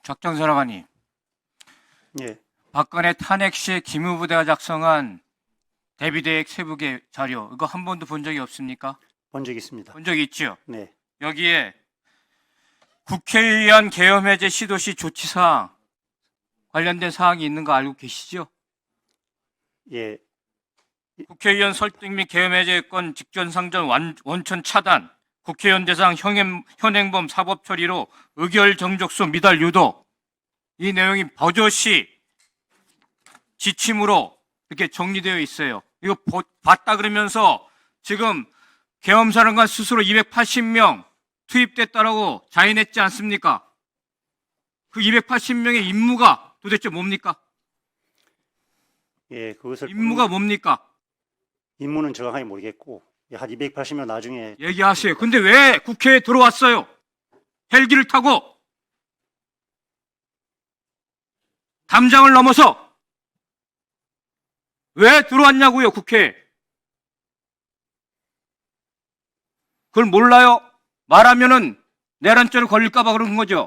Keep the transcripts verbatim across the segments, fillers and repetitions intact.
작전사령관님, 예, 박근혜 탄핵 시에 기무부대가 작성한 대비대획 세부계 자료, 이거 한 번도 본 적이 없습니까? 본 적 있습니다. 본 적이 있죠? 네, 여기에 국회의원 계엄 해제 시도시 조치사항 관련된 사항이 있는 거 알고 계시죠? 예, 국회의원 설득 및 계엄 해제권 직권상정 완- 원천 차단, 국회의원 대상 현행, 현행범 사법 처리로 의결 정족수 미달 유도, 이 내용이 버젓이 지침으로 이렇게 정리되어 있어요. 이거 보- 봤다 그러면서 지금 계엄사령관 스스로 이백팔십 명 투입됐다라고 자인했지 않습니까? 그 이백팔십 명의 임무가 도대체 뭡니까? 예, 그것을 임무가 뭡니까? 임무는 정확하게 모르겠고 예, 한 이백팔십 명 나중에 얘기하세요. 근데 왜 국회에 들어왔어요? 헬기를 타고 담장을 넘어서 왜 들어왔냐고요, 국회에. 그걸 몰라요? 말하면은 내란죄를 걸릴까봐 그런 거죠.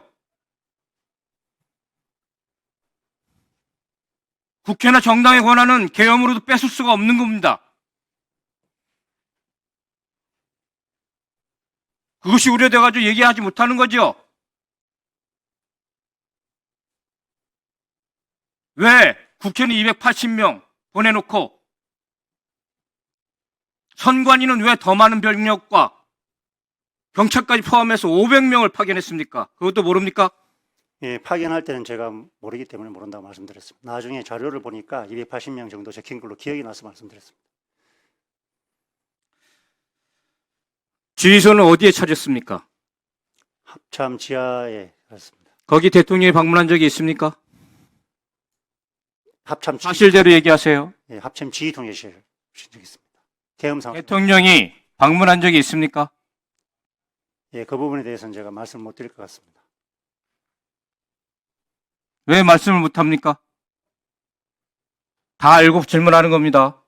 국회나 정당의 권한은 계엄으로도 뺏을 수가 없는 겁니다. 그것이 우려돼가지고 얘기하지 못하는 거죠. 왜 국회는 이백팔십 명 보내놓고 선관위는 왜 더 많은 병력과 경찰까지 포함해서 오백 명을 파견했습니까? 그것도 모릅니까? 예, 파견할 때는 제가 모르기 때문에 모른다고 말씀드렸습니다. 나중에 자료를 보니까 이백팔십 명 정도 적힌 걸로 기억이 나서 말씀드렸습니다. 지휘소는 어디에 찾았습니까? 합참 지하에 갔습니다. 거기 대통령이 방문한 적이 있습니까? 합참 지, 사실대로 얘기하세요. 예, 합참 지휘통제실 신청했습니다. 계엄 상황. 대통령이 방문한 적이 있습니까? 예, 그 부분에 대해서는 제가 말씀 못 드릴 것 같습니다. 왜 말씀을 못합니까? 다 알고 질문하는 겁니다.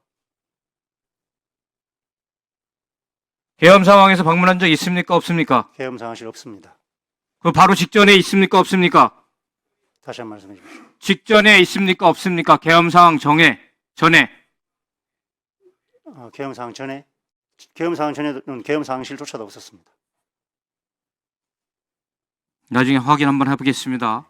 계엄 상황에서 방문한 적 있습니까? 없습니까? 계엄 상황실 없습니다. 그 바로 직전에 있습니까? 없습니까? 다시 한 번 말씀해 주십시오. 직전에 있습니까? 없습니까? 계엄 상황 정해, 전에. 어, 계엄 상황 전에 계엄 상황 전에는 계엄 상황실조차도 없었습니다. 나중에 확인 한번 해보겠습니다.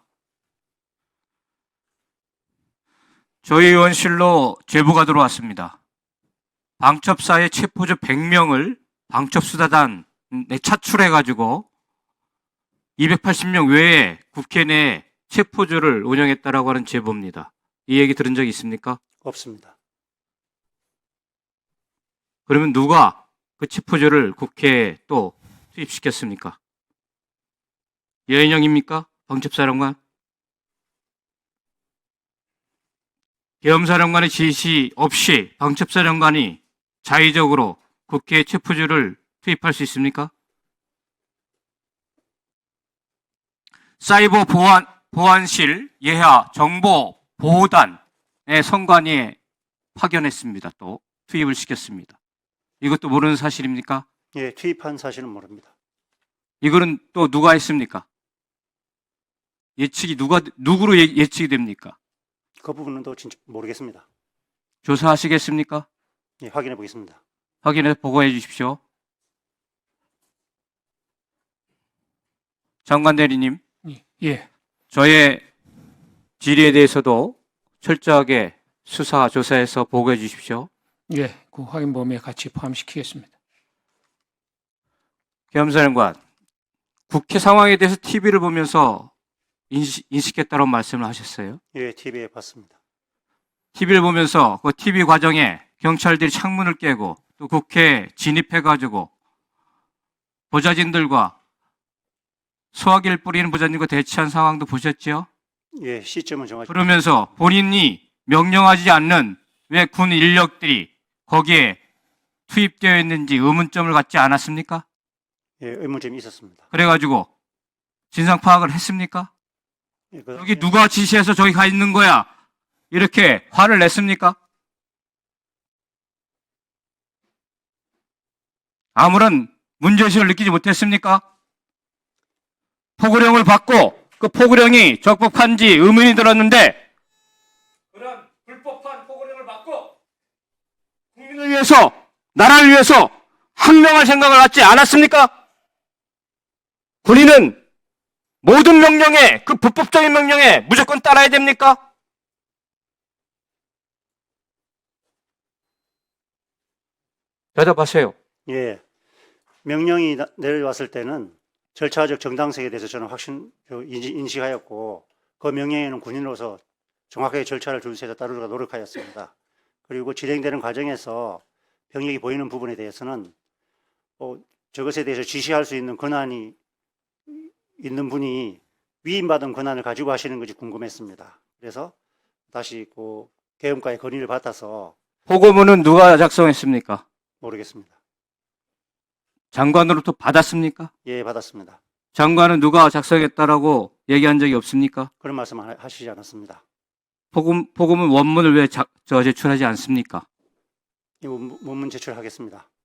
저희 의원실로 제보가 들어왔습니다. 방첩사의 체포자 백 명을 방첩수사단에 차출해가지고 이백팔십 명 외에 국회 내 체포조를 운영했다라고 하는 제보입니다. 이 얘기 들은 적 있습니까? 없습니다. 그러면 누가 그 체포조를 국회에 또 투입시켰습니까? 여인영입니까? 방첩사령관? 계엄사령관의 지시 없이 방첩사령관이 자의적으로 국회에 체포조를 투입할 수 있습니까? 사이버 보안, 보안실 예하 정보 보호단의 선관위에 파견했습니다. 또 투입을 시켰습니다. 이것도 모르는 사실입니까? 예, 투입한 사실은 모릅니다. 이거는 또 누가 했습니까? 예측이 누가 누구로 예, 예측이 됩니까? 그 부분은 또 진짜 모르겠습니다. 조사하시겠습니까? 예, 확인해 보겠습니다. 확인해 보고해 주십시오. 장관 대리님, 예, 저의 질의에 대해서도 철저하게 수사 조사해서 보고해 주십시오. 예, 그 확인 범위에 같이 포함시키겠습니다. 계엄사령관, 국회 상황에 대해서 티비를 보면서 인식, 인식했다고 말씀을 하셨어요. 예, 티비에 봤습니다. 티비를 보면서 그 티비 과정에 경찰들이 창문을 깨고 또 국회에 진입해가지고 보좌진들과 소화기를 뿌리는 보좌진과 대치한 상황도 보셨죠? 예, 시점은 정확히 그러면서 본인이 명령하지 않는 왜 군 인력들이 거기에 투입되어 있는지 의문점을 갖지 않았습니까? 예, 의문점이 있었습니다. 그래가지고 진상 파악을 했습니까? 예, 그, 여기 누가 지시해서 저기 가 있는 거야? 이렇게 화를 냈습니까? 아무런 문제의식을 느끼지 못했습니까? 포고령을 받고 그 포고령이 적법한지 의문이 들었는데 그런 불법한 포고령을 받고 국민을 위해서 나라를 위해서 항명할 생각을 갖지 않았습니까? 군인은 모든 명령에 그 불법적인 명령에 무조건 따라야 됩니까? 대답하세요. 예. 명령이 나- 내려왔을 때는 절차적 정당성에 대해서 저는 확신, 그 인지- 인식하였고, 그 명령에는 군인으로서 정확하게 절차를 준수해서 따르려고 노력하였습니다. 그리고 진행되는 과정에서 병력이 보이는 부분에 대해서는 어, 저것에 대해서 지시할 수 있는 권한이 있는 분이 위임받은 권한을 가지고 하시는 것이 궁금했습니다. 그래서 다시 그 계엄과의 건의를 받아서 보고문은 누가 작성했습니까? 모르겠습니다. 장관으로부터 받았습니까? 예, 받았습니다. 장관은 누가 작성했다라고 얘기한 적이 없습니까? 그런 말씀 하- 하시지 않았습니다. 보고, 보고문 원문을 왜 자, 저 제출하지 않습니까? 이 원- 원문 제출하겠습니다.